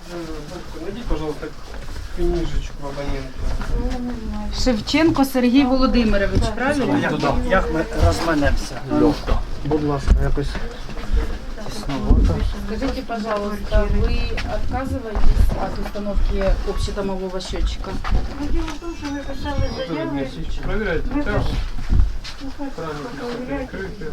Найди, пожалуйста, книжечку абонента. Шевченко Сергій Володимирович, правильно? Як ми розманемося? Легко. Будь ласка, якось тісновато. Скажите, пожалуйста, вы отказываетесь от установки общедомового счетчика? Дело в том, что мы писали заявы. Проверяйте Мы тягу. Правильно, перекрыты.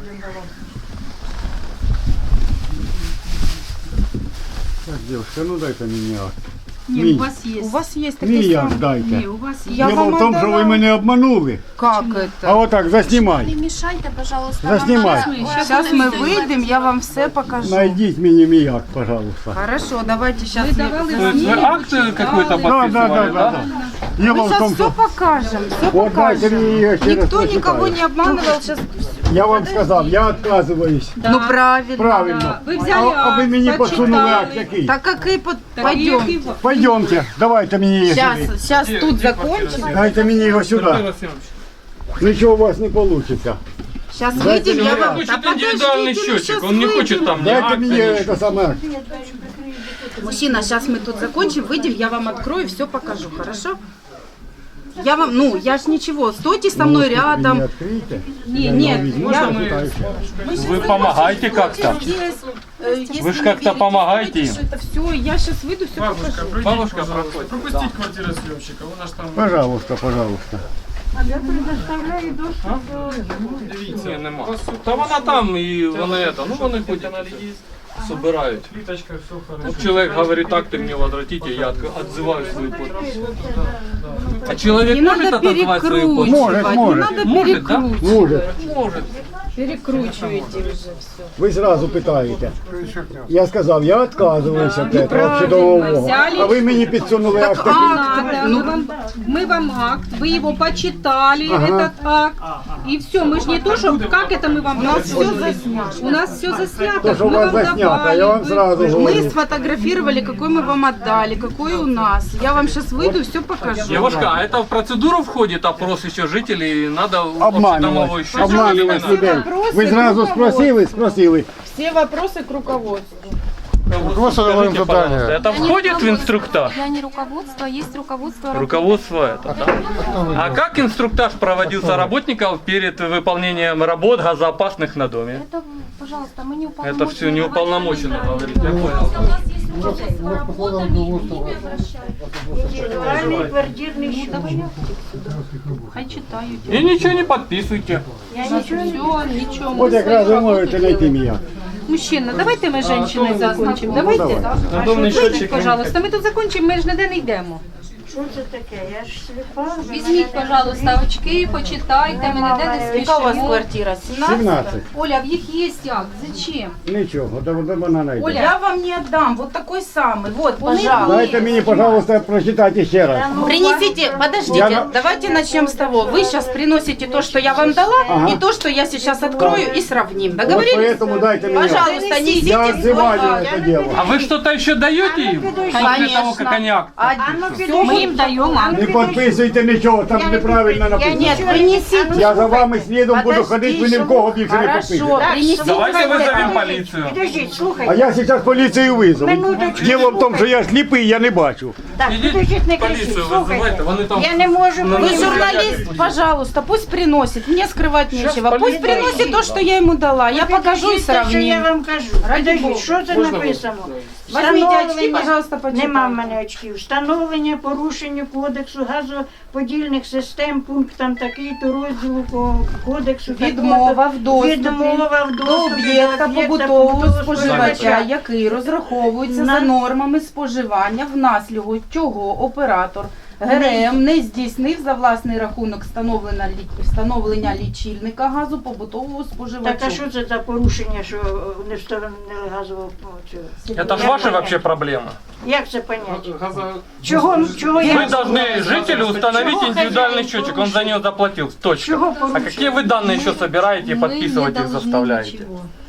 Так, девушка, ну дай-ка мені акт. Нет, у вас есть. У вас есть такие Мій акт самые. дайте. Не, у вас есть. Діло в тому, що ви мене обманули. Как А это? отак, заснімай. Не мешайте, пожалуйста. Заснімай. Сейчас мы выйдем, я вам все покажу. Найдіть мені мій акт, пожалуйста. Хорошо, давайте сейчас. Вы акт какой-то Да, подписывали, да? Дело Мы в сейчас том, все що покажем, все вот дайте покажем. мені її ще раз Никто никого прочитаю. не обманывал сейчас. Я вам сказав, я відказуюсь. Ну правильно. Правильно. Вы взяли А ви мені подсунули акт який? Так какой пойдем. Пойдемте, давайте мені її сюди. Сейчас тут закончим. Дайте мені його сюди. Артем Васильевич, Нічого у вас не вийде. Сейчас Дайте выйдем, мне я акт. вам... хочет Да индивидуальный подождите, ну счетчик, щас он не выйдем. хочет там ни Дайте акта, мені ничего. це саме акт. Мужчина, сейчас мы тут закончим, выйдем, я вам открою, все покажу, хорошо? Я вам, ну, я ж ничего, стойте со мной Ви рядом. не відкрийте. Не, нет, я... Вы помогаете как-то? Вы ж как-то помогаете им. Это все, я сейчас выйду, все Бабушка, покажу. пройдите, Бабушка, пожалуйста. проходит. Пропустить квартиросъемщика, у нас там... Пожалуйста, пожалуйста. Я предоставляю доступ до... Дивіться, нема. Та вона там і вони это, ну вони хоч собирають. Плиточка, все хорошо. Вот человек говорит, так ты мне возвратите, я отзываю свою подпись. А человек Не может надо отозвать свою подпись? перекручивать, не Может, надо Может, да? перекручивать. Може. Может. Перекручиваете уже все. Ви зразу питаєте. Я сказав, я відказуюся від цього Неправильно, чудового. взяли. А ви мені підсунули акт такий. Акт, ну, Мы вам акт, вы его почитали, этот акт, и все. Мы же не то, что как это мы вам дали. все заснято. У нас все заснято. То, що у мы вас вам заснято, я вам вы- зразу Мы говорю. сфотографировали, какой мы вам отдали, какой у нас. Я вам сейчас выйду, все покажу. Девушка, а это в процедуру входит опрос еще жителей? Надо Обманювати, общедомовой счетчик или не обманювати надо? людей. Вопроси Ви зразу руководства. спросили. Все вопросы к руководству. Скажите, пожалуйста, это входит в инструктаж? Я не руководство, есть руководство. Руководство это, да? А как инструктаж проводился работников перед выполнением работ газоопасных на доме? Это, пожалуйста, мы не уполномочены. Это все не уполномочено говорить, я понял. У нас есть руководство работ, они к ним обращаются. Індивідуальний квартирний счет. Хай читают. И ничего не подписывайте. Я нічого не Все, ничего. От якраз ви можете знайти мій акт. Мужчина, давайте мы женщины закончим. Давайте. Надомный Выйдите, пожалуйста, ми тут закончимо, ми ж ніде не йдемо. Що це таке? Я ж сліпа. Візьміть, пожалуйста, очки, почитайте, ми ніде не Яка у вас спішимо. квартира? 17? 17. Оля, в їх є акт, зачем? Нічого, до вона знайде. Я вам не отдам, вот такой самый, вот, пожалуйста. Дайте мені, пожалуйста, прочитайте ще раз. Принесите, подождите, Я- давайте начнем с того. Вы сейчас приносите то, что я вам дала, Ага. и то, что я сейчас открою и сравним. От Договорились? поэтому дайте мені акт. Пожалуйста, несите Я свой отзываю акт. это дело. А вы что-то еще даете им? После того, как они акт? Ми їм даємо акт. Не підписуйте нічого, там неправильно написано. Нет, принесите. Я за вами слідом буду Подожди, ходити, ви ні в кого більше не Хорошо, підпишете. принесите. Давайте свой вызовем акт. полицию. Підождіть, А слухайте. я зараз поліцію визову. Минуточку, Діло в тому, що я сліпий, я не бачу. Так, підождіть, не кричіть, Полицию слухайте. вызывайте, вони там... Я не можу Вы понімати. журналист, пожалуйста, пусть приносит. Мне скрывать нечего. Пусть полиция. приносит то, что я ему дала. Я покажу и Підождіть те, що я сравним. вам кажу. Підождіть, що це написано? Возьмите очки, Встановлення- пожалуйста, почитайте. Нема в мене очків. Встановлення порушення кодексу газоподільних систем пунктам такий-то розділу кодексу. Відмова в доступі Відмова в до доступі об'єкта побутового споживача, споживача. який розраховується за нормами споживання, внаслідок чого оператор ГРМ не здійснив за власний рахунок встановлення лічильника газу побутового споживача. Так, а що це за порушення, що не встановили газового цього? Это ж ваши вообще проблемы. Як це поняти? Газа... Чого я... Вы должны жителю установить Чего индивидуальный хозяин счетчик, он за него заплатил. Точка. Чего А поручил? какие вы данные еще собираете и Мы подписывать не их должны заставляете? ничего.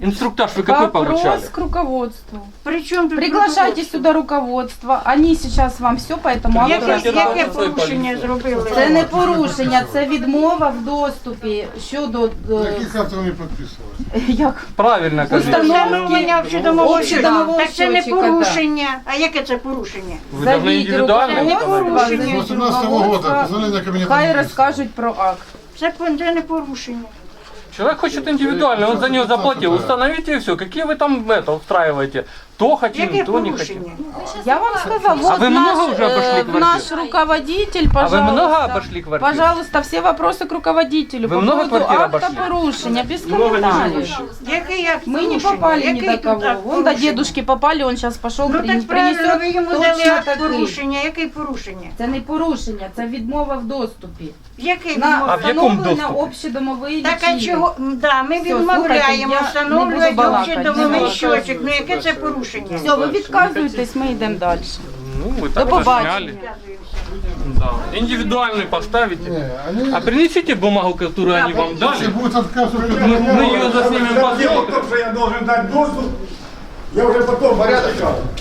Инструктаж вы какой получали? Вопрос к руководству. Причому тут Приглашайте руководство? сюда руководство. Они сейчас вам все по этому акту Яке розкажуть. Яке порушення зробили? Це не порушення, це відмова в доступі щодо Яких авторів не підписували? як Правильно, кажите. Встановлення общедомового Общедомового Так це не счетчика, порушення. А яке це порушення? Вы должны индивидуально руководство, установить. завідь 18 года, руководства. позволение кабинета Хай министров. розкажуть про акт. Це не порушення. Человек хочет индивидуально, он за него заплатил. Установите и все. Какие вы там это устраиваете? То хотим, Яке то не хотим. порушення? Я вам сказала, вот вы много наш, уже обошли квартир? наш руководитель, А пожалуйста. вы много обошли квартир? Пожалуйста, все вопросы к руководителю. Вы по много поводу квартир акта обошли? порушения, без комментариев. Який акт Мы не порушення? попали ни Який до тут кого. акт Вон до порушення? дедушки попали, он сейчас пошел, Ну так правильно, ви йому дали точно акт такий. порушення. Який порушення? Це не порушення, це відмова в доступі. Який На А в якому встановлення доступі? Так общедомової а лічильник. чого? Да, ми Все, відмовляємо слухайте, я не встановлювати буду балакати, общедомовий не щочик. Ну яке це порушення? Все, ви відказуєтесь, ми йдемо далі. Ну, вы так побачення. засняли. Да. Индивидуальный поставите. Не, они... А принесите бумагу, которую они вам дали. Если будет отказ, Мы ее заснимем по Дело в том, что я должен дать доступ, я уже потом порядок.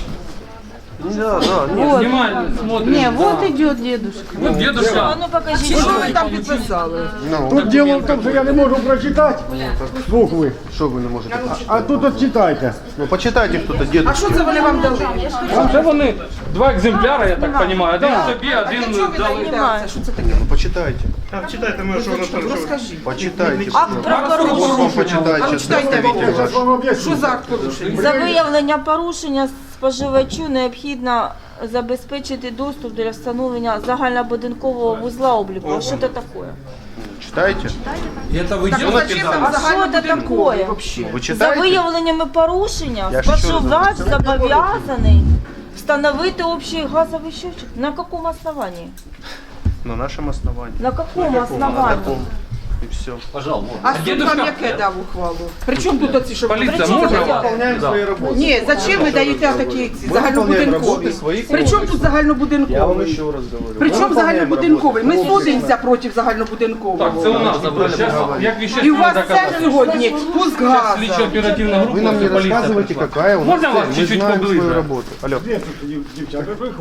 Вот. Внимательно смотрим. Не, вот Да. идет дедушка. Вот дедушка. Что вы там підписали? Тут дело в том, что я не можу прочитати букви. Що ви не можете? А тут от читайте. Ну почитайте хто-то, дід. Що це вони вам дали? Це вони два екземпляри, я так розумію. Один собі, один дали. Ну почитайте. Почитайте. Акт про порушення. Почитайте. Зараз вам об'ясню. За виявлення порушення споживачу необхідно забезпечити доступ для встановлення загальнобудинкового вузла обліку. А що це таке? Читайте. Это вы делаете? А що це таке? Ви За читаєте? виявленнями порушення Я ще споживач раз зобов'язаний встановити общий газовий счетчик. На якому основанні? На нашому основанні. На якому На основанні? такому. І все. А дедушка, Яке дав ухвалу? Причому тут оці, що полиция, можно вас? Выполняем свої роботи. Ні, зачем ви даєте такі ці Ми виконуємо роботи загальнобудинкові? своїх. Причому тут Я вам загальнобудинковий? ще раз говорю. Причому Ми виконуємо загальнобудинковий? Ми роботи. судимося проти Так, це загальнобудинкового. у нас забрали. Сейчас, як І у вещественное вас це доказательство. сьогодні пуск Сейчас газу. слідчо-оперативна група, Ви нам не полиция розказуєте, пришла. яка у нас Можно цель. вас Ми чуть-чуть знаємо свою поближе? роботу. Алло. Де тут дівчата?